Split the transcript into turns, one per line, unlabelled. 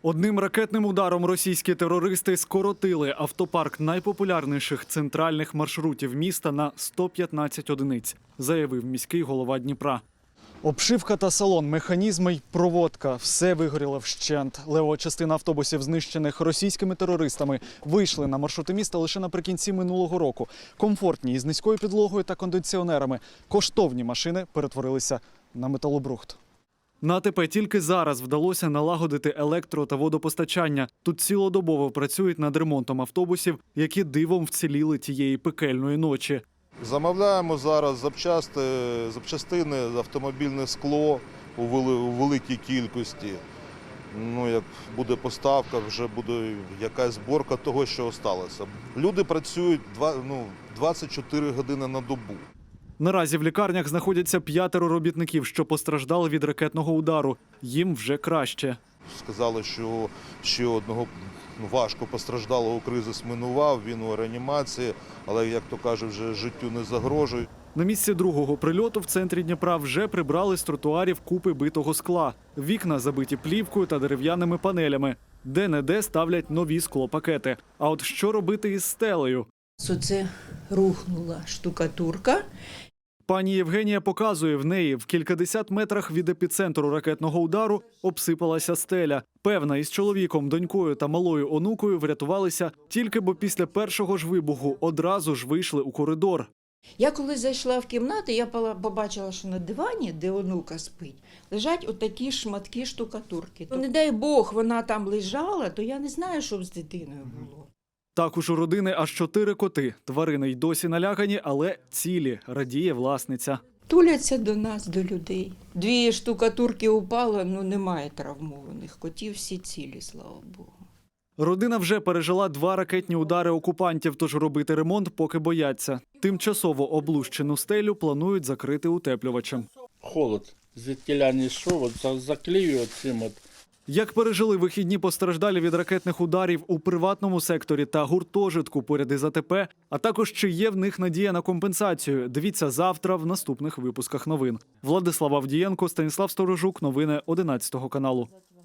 Одним ракетним ударом російські терористи скоротили автопарк найпопулярніших центральних маршрутів міста на 115 одиниць, заявив міський голова Дніпра. Обшивка та салон, механізми й проводка – все вигоріло вщент. Левова частина автобусів, знищених російськими терористами, вийшли на маршрути міста лише наприкінці минулого року. Комфортні, із низькою підлогою та кондиціонерами. Коштовні машини перетворилися на металобрухт. На АТП тільки зараз вдалося налагодити електро- та водопостачання. Тут цілодобово працюють над ремонтом автобусів, які дивом вціліли тієї пекельної ночі.
Замовляємо зараз запчастини, автомобільне скло у великій кількості. Як буде поставка, вже буде якась зборка того, що залишилося. Люди працюють 24 години на добу.
Наразі в лікарнях знаходяться 5 робітників, що постраждали від ракетного удару. Їм вже краще.
Сказали, що ще одного важко постраждалого кризис минував, він у реанімації, але, як то кажуть, вже життю не загрожує.
На місці другого прильоту в центрі Дніпра вже прибрали з тротуарів купи битого скла. Вікна забиті плівкою та дерев'яними панелями. Де-не-де ставлять нові склопакети. А от що робити із стелею?
Оце рухнула штукатурка.
Пані Євгенія показує, в неї в кількадесят метрах від епіцентру ракетного удару обсипалася стеля. Певна, із чоловіком, донькою та малою онукою врятувалися тільки бо після першого ж вибуху одразу ж вийшли у коридор.
Я коли зайшла в кімнату, я побачила, що на дивані, де онука спить, лежать отакі шматки штукатурки. Не дай Бог, вона там лежала, то я не знаю, що б з дитиною було.
Також у родини аж 4 коти. Тварини й досі налякані, але цілі, радіє власниця.
Туляться до нас, до людей. 2 штукатурки упало, немає травмованих. Котів всі цілі, слава Богу.
Родина вже пережила 2 ракетні удари окупантів, тож робити ремонт поки бояться. Тимчасово облущену стелю планують закрити утеплювачем.
Холод звідкіля не йшов, заклею цим.
Як пережили вихідні постраждалі від ракетних ударів у приватному секторі та гуртожитку поряд із АТП, а також чи є в них надія на компенсацію, дивіться завтра в наступних випусках новин. Владислав Авдієнко, Станіслав Сторожук, новини 11 каналу.